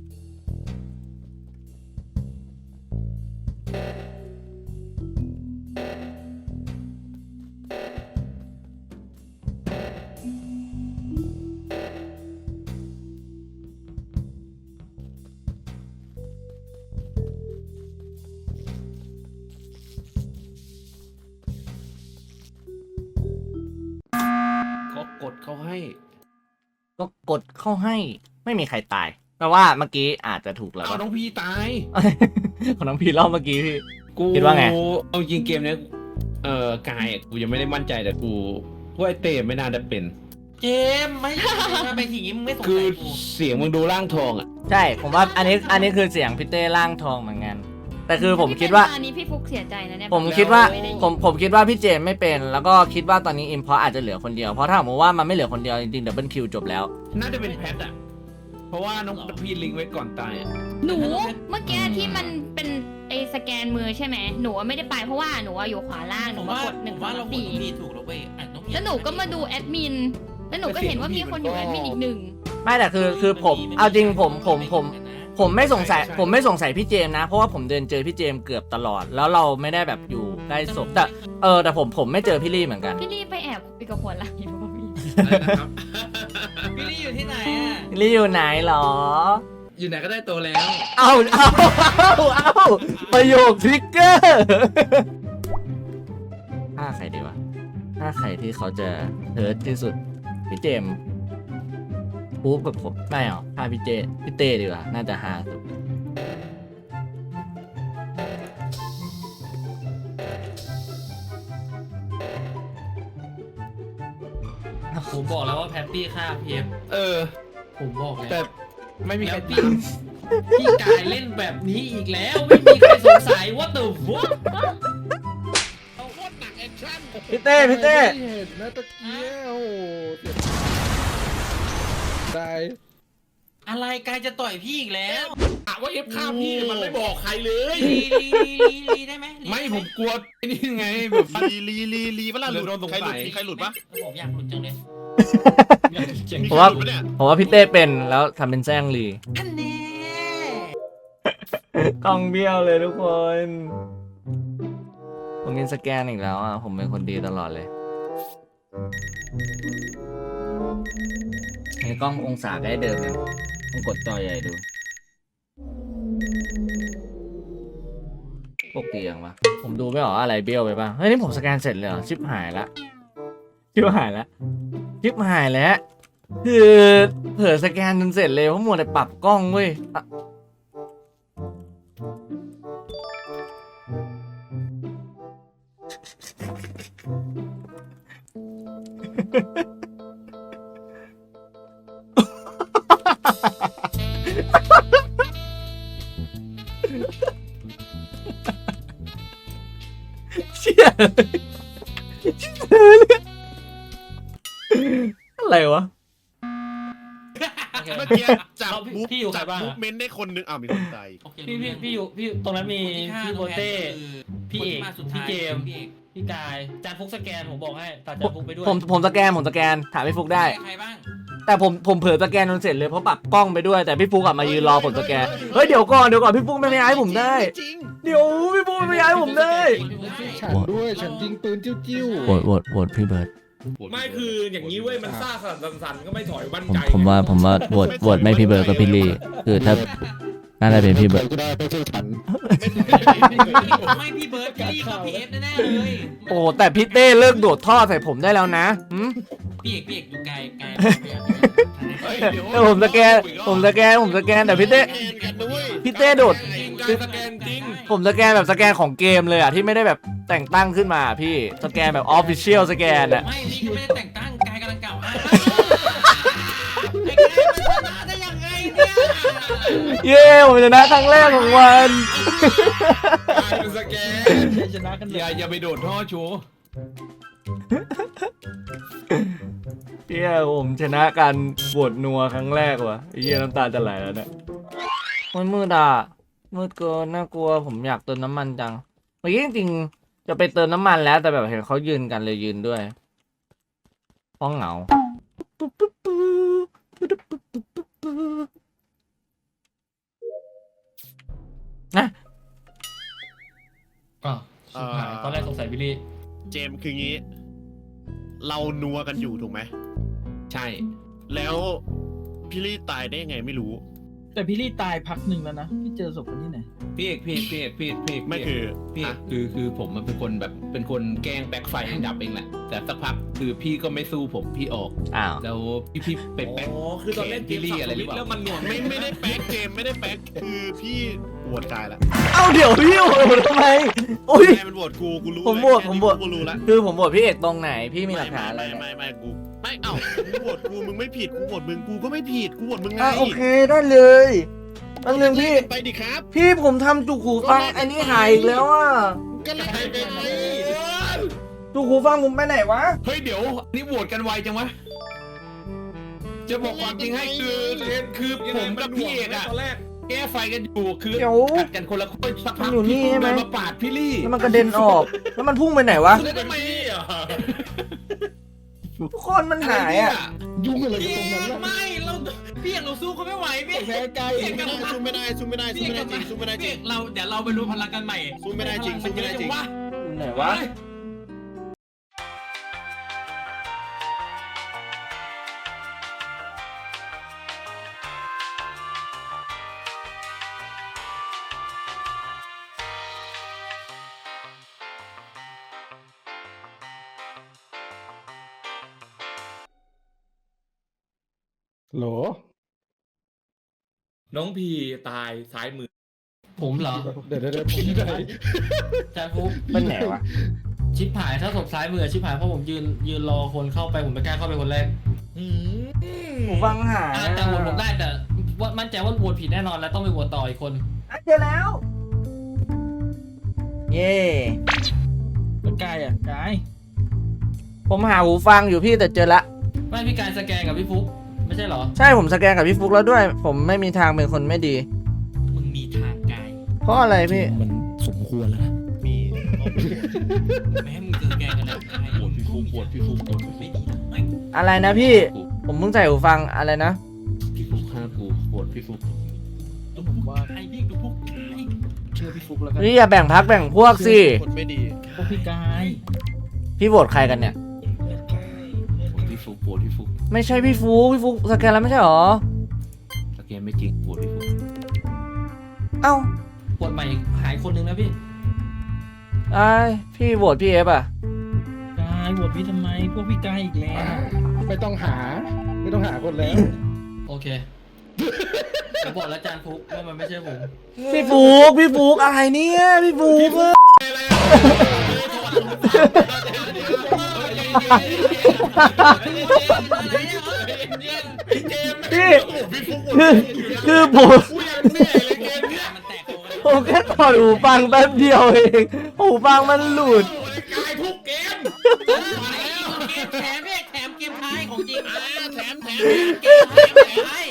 [SPEAKER 5] ก็กดเขาให้
[SPEAKER 1] ก็กดเข้าให้ไม่มีใครตายแปลว่าเมื่อกี้อาจจะถูกแล้ว
[SPEAKER 5] เอาน้องพี่ตาย
[SPEAKER 1] ของน้องพีรอบเมื่อกี้พี่
[SPEAKER 5] กู
[SPEAKER 1] คิดว่าไง
[SPEAKER 5] เอาจริงเกมเนี้ยเอ่อกายอะกูยังไม่ได้มั่นใจแต่กูว่าไอเต้ไม่น่าจะเป็น
[SPEAKER 8] เจมส์ไม่ทำไมทีนี้มึงไม่สง
[SPEAKER 5] คือ
[SPEAKER 8] สัยกู
[SPEAKER 5] เสียงมึงดูร่างทองอ่ะ
[SPEAKER 1] ใช่ผมว่าอันนี้อันนี้คือเสียงพี่เต้ร่างทองเหมือนกันแต่คือผมคิดว่า
[SPEAKER 2] อันนี้พี่ฟุกเสียใจนะเนี่ย
[SPEAKER 1] ผมคิดว่า
[SPEAKER 2] ไได้ยิน
[SPEAKER 1] ผมผมคิดว่าพี่เจมส์ไม่เป็น แล้วก็คิดว่าตอนนี้อิมพออาจจะเหลือคนเดียวเพราะถ้าสมมติว่ามันไม่เหลือคนเดียวจริงๆดับเบิลคิวจบแล้ว
[SPEAKER 5] น่าจะเป็นแพทอ่ะ เพราะว่าน้องพี่ลิงก์ไว้ก่อนตายอ่ะ
[SPEAKER 2] หนูเมื่อกี้ที่มันเป็นไอสแกนมือใช่ไหมหนูอะไม่ได้ไปเพราะว่าหนูอะอยู่ขวาล่างห
[SPEAKER 8] ผ
[SPEAKER 2] นู
[SPEAKER 8] ม
[SPEAKER 2] มา
[SPEAKER 8] ว่าก
[SPEAKER 2] ดหนึ่ง
[SPEAKER 8] ผม
[SPEAKER 2] สอ
[SPEAKER 8] ว่าง เรา
[SPEAKER 2] สาม
[SPEAKER 8] โหวต
[SPEAKER 2] สี่
[SPEAKER 8] น้องพีถูกแล้วเว้ยอ่ะน้องพี
[SPEAKER 2] แล้วหนูก็มาดูแอดมินแล้วหนูก็เห็นว่ามีคนอยู่แอดมินอีกหนึ่ง
[SPEAKER 1] ไม่แต่คือคือผมเอาจริงผมผมผม ผมไม่สงสัยผมไม่สงสัยพี่เจมส์นะ เพราะว่าผมเดินเจอพี่เจมส์เกือบตลอด แล้วเราไม่ได้แบบอยู่ได้ศพแต่เออแต่ผมผมไม่เจอพี่ลี่เหมือนกัน
[SPEAKER 2] พี่ลี่ไปแอบคุยกับหัวไหล่อยู่ป่ะพี่
[SPEAKER 6] อะไรนะครับ
[SPEAKER 8] พี่ลี่อยู่ที่ไหนอ่ะ
[SPEAKER 1] พี่ลี่อยู่ไหนหรอ
[SPEAKER 6] อยู่ไหนก็ได้ตัวแล้ว
[SPEAKER 1] เอาเอาเอาเอาประโยคทริกเกอร์ถ้าใครดีวะถ้าใครที่เขาจะเฮิร์ตที่สุดพี่เจมส์ปุ๊บกับผมไม่หรอถ้าพี่เจพี่เต้ดีกว่าน่าจะฮาสุด
[SPEAKER 7] ผมบอกแล้วว่าแพตตี้ฆ่าพีเอฟ
[SPEAKER 5] เออ
[SPEAKER 7] ผมบอกแล้ว
[SPEAKER 5] แต่ไม่มีใคร
[SPEAKER 7] แล้ว
[SPEAKER 5] ตา
[SPEAKER 7] พี่
[SPEAKER 5] ม
[SPEAKER 7] พี่กายเล่นแบบนี้อีกแล้ว ไม่มีใครสงสัยว่าตัวฟุต
[SPEAKER 1] พี่เต้พี่เต้
[SPEAKER 4] เห็นนะตะเกียโอ้ได้
[SPEAKER 8] อะไรกายจะต่อยพี่อีกแล้ว
[SPEAKER 6] ถามว่าเอฟฆ่าพี่มันไม่บอกใครเลย
[SPEAKER 8] ลีลีลีลีลีได้ไหมลี
[SPEAKER 5] ไม่
[SPEAKER 8] ด้ห
[SPEAKER 5] ผมกลัวไอ้นี่ไงแบบ
[SPEAKER 4] ลีลีลีลีปะล่ะหลุด
[SPEAKER 5] โดนสง
[SPEAKER 4] ใครหลุ
[SPEAKER 5] สั
[SPEAKER 4] ด
[SPEAKER 5] ย
[SPEAKER 4] มีใครหลุดปะ
[SPEAKER 8] ผมอยากหลุดจังเลย
[SPEAKER 4] มี
[SPEAKER 1] ผม
[SPEAKER 4] ใคร
[SPEAKER 1] ว่า
[SPEAKER 4] หลุดปะเนี่ย
[SPEAKER 1] ผมว่าพี่เต้เป็นแล้วทำเป็นแซงลี
[SPEAKER 8] อันแน่
[SPEAKER 1] กล้องเบี้ยวเลยทุกคนผมกินสแกนอีกแล้วอ่ะผมเป็นคนดีตลอดเลยไอ้กล้ององศาได้เดิมเลยต้องกดจอใหญ่ดูปกติยังวะผมดูไม่ออกอะไรเบี้ยวไปป่ะเฮ้ยนี่ผมสแกนเสร็จเลยเหรอชิบหายละชิบหายละชิบหายแล้วคือเผื่อสแกนจนเสร็จเลยเพราะมัวแต่ปรับกล้องเว้ยอะเชี่ยอะไรวะ
[SPEAKER 4] เมื่อกี้จับ
[SPEAKER 7] เราพี่
[SPEAKER 4] บุ๊บ
[SPEAKER 7] พี่อยู่ใคร
[SPEAKER 4] จับ
[SPEAKER 7] บ้าง
[SPEAKER 4] บุ๊บ
[SPEAKER 7] อะ
[SPEAKER 4] เม้นได้คนหนึงอ้าวมีคนตาย
[SPEAKER 8] โอเค
[SPEAKER 7] พี่พี่
[SPEAKER 8] รู้
[SPEAKER 7] พี่อยู่พี่ตรงนั้นมี
[SPEAKER 8] ที่ฆ่า
[SPEAKER 7] พี่โบ
[SPEAKER 8] ตัวแทน
[SPEAKER 7] เต้
[SPEAKER 8] คือ
[SPEAKER 7] พี่เอก
[SPEAKER 8] คนที่มาสุด
[SPEAKER 7] พี่
[SPEAKER 8] ท้าย
[SPEAKER 7] เกม
[SPEAKER 8] พี่เอก
[SPEAKER 7] พี่กายจานฟุกสแกนผมบอกให้ตัดจานฟุกไปด้วย
[SPEAKER 1] ผมผมสแกนผมสแกนถามพี่ฟุกได้
[SPEAKER 8] ใครบ้าง
[SPEAKER 1] แต่ผมผมเผลอสแกนจนเสร็จเลยเพราะปรับกล้องไปด้วยแต่พี่ฟุกกลับมายืนรอผมสแกนเฮ้ยเดี๋ยวก่อนเดี๋ยวก่อนพี่ฟุกไม่ไม่ย้ายผมได้
[SPEAKER 4] จริง
[SPEAKER 1] เดี๋ยวพี่ฟุกไม่ย้ายผมได้
[SPEAKER 4] ฉันด้วยฉันยิงปืนจิ้ว
[SPEAKER 1] โหวตโหวตโหวตพี่เบิร์ด
[SPEAKER 6] ไม่คืออย่างนี้เว้ยมันซ่าสั่นสั่นก็ไม่ถอยมั่น
[SPEAKER 1] ผม
[SPEAKER 6] ใจ
[SPEAKER 1] ผมว่าผมว่าโหวตโหวตไม่พี่เบิร์ดก็พี่ลี่คือถ้าน่าจะเป็นพี่เบิร์ด
[SPEAKER 4] ก็ได้ไม่ใช่ฉัน
[SPEAKER 8] ไม่พี่เบิร์ดพี่ลี่ก็พี่เอฟแน่ๆเลย
[SPEAKER 1] โอ้แต่พี่เต้เลิกโดดท่อใส่ผมได้แล้วนะหืม
[SPEAKER 8] พี่เอกพี่เอกดูไกลไกล
[SPEAKER 1] แต่ผมสแกนผมสแกนผมสแกนแต่พี่เต้
[SPEAKER 4] แกนกันด้วย
[SPEAKER 1] พี่เต้โดด
[SPEAKER 6] จริงการสแกนจริง
[SPEAKER 1] ผมสแกนแบบสแกนของเกมเลยอ่ะที่ไม่ได้แบบแต่งตั้งขึ้นมาพี่สแกนแบบออฟฟิเชียลสแกนอ่ะ
[SPEAKER 8] ไม่นี่ก็ไม่ได้แต่งตั้งกายกำลังกล่าวอ้างไอ้กายมันชนะได้ยังไงเนี่ย
[SPEAKER 1] เย้ผมชนะครั้งแรกของวัน
[SPEAKER 6] กลายเป็นสแกน
[SPEAKER 7] ชนะกันเล
[SPEAKER 5] อย่าย อย่าไปโดดท่อโชว์
[SPEAKER 1] เย้ผมชนะการบวดนัวครั้งแรกว่ะเย้น้ำตาจะไหลแล้วเนี่ยมันมืดอ่ะมืดเกินน่ากลัวผมอยากเติมน้ำมันจังเมื่อกี้จริงๆจะไปเติมน้ำมันแล้วแต่แบบเห็นเขายืนกันเลยยืนด้วยห้องเหงานะ
[SPEAKER 7] อ้าวชิบหายตอนแรกสงสัยพี่ลี่
[SPEAKER 4] เจมส์คืองี้ เรานัวกันอยู่ถูกไหม
[SPEAKER 5] ใช่
[SPEAKER 4] แล้วพี่ลี่ตายได้ยังไงไม่รู้
[SPEAKER 3] แต่พี่ลี่ตายพักหนึ่งแล้วนะ พี่เจอศพคนที่ไหน
[SPEAKER 5] พี่เอกพี่เอกพี่เอกพี่เอกพี่เอก
[SPEAKER 4] ไม่คือ
[SPEAKER 5] พี่เอก
[SPEAKER 4] อ่ะ
[SPEAKER 5] คือคือผมมันเป็นคนแบบเป็นคนแกล้งแบ็คไฟให้ดับเองแหละ แต่สักพักคือพี่ก็ไม่สู้ผมพี่ออก
[SPEAKER 1] อ้าว
[SPEAKER 5] แล้วพี่พี่ไปแบ็ค
[SPEAKER 6] อ๋อคือตอนเล่นเกม
[SPEAKER 5] พี่ลี่
[SPEAKER 6] สับ
[SPEAKER 5] อะไร
[SPEAKER 6] ส
[SPEAKER 5] หรื
[SPEAKER 6] วิ
[SPEAKER 5] อ
[SPEAKER 6] ต
[SPEAKER 5] เปล่า
[SPEAKER 6] แล้วมันหน่วง
[SPEAKER 4] ไม่ไม่ได้แป๊กเกมไม่ได้แป๊กคือพี่ปวดกายละ
[SPEAKER 1] เอาเดี๋ยวพี่โอ้โหทำไมอุ้ย
[SPEAKER 4] ใครมันปวดกูกูรู้
[SPEAKER 1] ผม
[SPEAKER 4] เลย
[SPEAKER 1] บวก
[SPEAKER 4] แค่
[SPEAKER 1] ผม
[SPEAKER 4] นี้
[SPEAKER 1] บวก
[SPEAKER 4] กูรู้ละ
[SPEAKER 1] คือผมบวชพี่เอกตรงไหนพี่มีหลักฐานอะไร
[SPEAKER 4] ไม่
[SPEAKER 1] ไหม
[SPEAKER 4] ไม่ไม่ไม่กูไม่เอ้ากูปวดกูมึงไม่ผิดกูปวดมึงกูก็ไม่ผิดกูปวดมึงไง
[SPEAKER 1] อ่ะโอเคได้เลยอันหนึ่งพี่
[SPEAKER 4] ไปดิครับ
[SPEAKER 1] พี่ผมทำจุกหูฟังอันนี้หายอีกแล้วอ่ะ
[SPEAKER 4] ก็เลยไปไปไป
[SPEAKER 1] จุกหูฟังผมไปไหนวะ
[SPEAKER 5] เฮ้ยเดี๋ยวนี่โหวตกันไวจังวะ จะบอกความจริงให้คือคือผมกับพี่เอกอะ
[SPEAKER 6] ตอนแรก
[SPEAKER 5] แก้ไฟกันอยู่คือ
[SPEAKER 1] เดี๋ยว
[SPEAKER 5] กัดกันคนละคนสักพัก
[SPEAKER 1] มันอยู่นี่
[SPEAKER 5] พี่
[SPEAKER 1] ใช่ไหม
[SPEAKER 5] เดินมาปาดพี่ลี่
[SPEAKER 1] แล้วมันกระเด็นออก แล้วมันพุ่งไปไหนวะ
[SPEAKER 6] แล้วทำไมอ่ะ
[SPEAKER 1] ทุกคนมันหายอ่ะ
[SPEAKER 4] ยุ่งอะไร
[SPEAKER 8] พี่
[SPEAKER 4] กับตรงนั้น
[SPEAKER 8] เอก
[SPEAKER 4] ล่ะ
[SPEAKER 8] ไม่เราพี่เอกเราสู้เขาไม่ไหวพี่เอก
[SPEAKER 4] แพ้กาย
[SPEAKER 8] พี่เอกกลับมา
[SPEAKER 4] สู้ไม่ได้สู้ไม่ได้สู้
[SPEAKER 8] พี่
[SPEAKER 4] ไม่
[SPEAKER 8] เอก
[SPEAKER 4] ได้
[SPEAKER 8] กลับ
[SPEAKER 4] จริ
[SPEAKER 8] มาง
[SPEAKER 4] สู้ไม่ได้จ
[SPEAKER 8] พี่
[SPEAKER 4] ริ
[SPEAKER 8] เอง กเราเดี๋ยวเราไปรวมพลังกันใหม่
[SPEAKER 4] สู้ไม่ได้จริงสู้ไม่ได้จริง
[SPEAKER 8] วะ
[SPEAKER 1] อื
[SPEAKER 6] ไหนวะโหล น้องพีตายซ้ายมือ
[SPEAKER 7] ผมเหรอ
[SPEAKER 6] เดี๋ยวเดี๋ยวเดี๋ยวผมไหน
[SPEAKER 7] จานฟุก
[SPEAKER 1] เป็นไหนวะ
[SPEAKER 7] ชิปหายถ้าศพซ้ายมือชิปหายเพราะผมยืนยืนรอคนเข้าไปผมไม่กล้าเข้าไปคนแรก
[SPEAKER 1] หูฟังหา
[SPEAKER 7] อ่ะแต่โหวตผมได้แต่ว่ามั่นใจว่าโหวตผิดแน่นอนแล้วต้องไปโหวตต่ออีกคน
[SPEAKER 1] เจอแล้ว เย่
[SPEAKER 3] แล้วกายอ่ะกาย
[SPEAKER 1] ผมหาหูฟังอยู่พี่แต่เจอละ
[SPEAKER 7] ไม่พี่กายสแกนกับพี่ฟุกไม่ใช่เหรอ
[SPEAKER 1] ใช่ผมสแกนกับพี่ฟุกแล้วด้วย ผมไม่มีทางเป็นคนไม่ดี
[SPEAKER 8] มึงมีทางกาย
[SPEAKER 1] เพราะอะไรพี่
[SPEAKER 3] มันสมควรแล้วนะ
[SPEAKER 4] มี
[SPEAKER 8] ไม่ให้มึงเจอแกกันแล้วกายปวดพี่ฟุกปวดพี่ฟุกปวดไม่ดีนะไม่
[SPEAKER 1] อะไรนะพี่ ผมเพิ่งใส่หูฟังอะไรนะ
[SPEAKER 3] พี่ฟุกฆ่ากูปวดพี่ฟุก
[SPEAKER 8] ดูผมว่าใครพี่ดูพวกไอ้
[SPEAKER 3] เชื่อพี่ฟุกแล้วกัน
[SPEAKER 1] พี่อย่าแบ่งพักแบ่งพวกสิ
[SPEAKER 4] คนไม่ดี
[SPEAKER 3] พวกพี่กาย
[SPEAKER 1] พี่โหวตใครกันเนี่ย
[SPEAKER 3] ปวดพี่ฟุกปวดพี่ฟุก
[SPEAKER 1] ไม่ใช่พี่ฟุกพี่ฟุกสแกนแล้วไม่ใช่หรอ
[SPEAKER 3] สแกนไม่จริงปวดพี่ฟุก
[SPEAKER 1] เอ้า
[SPEAKER 7] โหวตใหม่หายคนนึงนะพี่
[SPEAKER 1] ไอ้ายพี่โหวตพี่เอฟอ่ะ
[SPEAKER 3] กายบวชพี่ทำไม พวกพี่กายอีกแล้ว
[SPEAKER 6] ไม่ต้องหา ไม่ต้องหาคนแล้ว
[SPEAKER 7] โอเคผมบอกแล้วจานฟุกว่ามันไม่ใช่ผม
[SPEAKER 1] พี่ฟุกพี่ฟุกอะไรเนี่ยพี่ฟุกอะพี่คือคือผม
[SPEAKER 8] มันแตกโคกัน
[SPEAKER 1] ผมแค่ถอดหูฟังแป๊บเดียวเองหูฟังมันหลุด
[SPEAKER 5] กายทุกเกม
[SPEAKER 8] เกมแถมเนี่ยแถมเกมท้ายของจริงอ่าแถมแถมเกมแถมแถมท้าย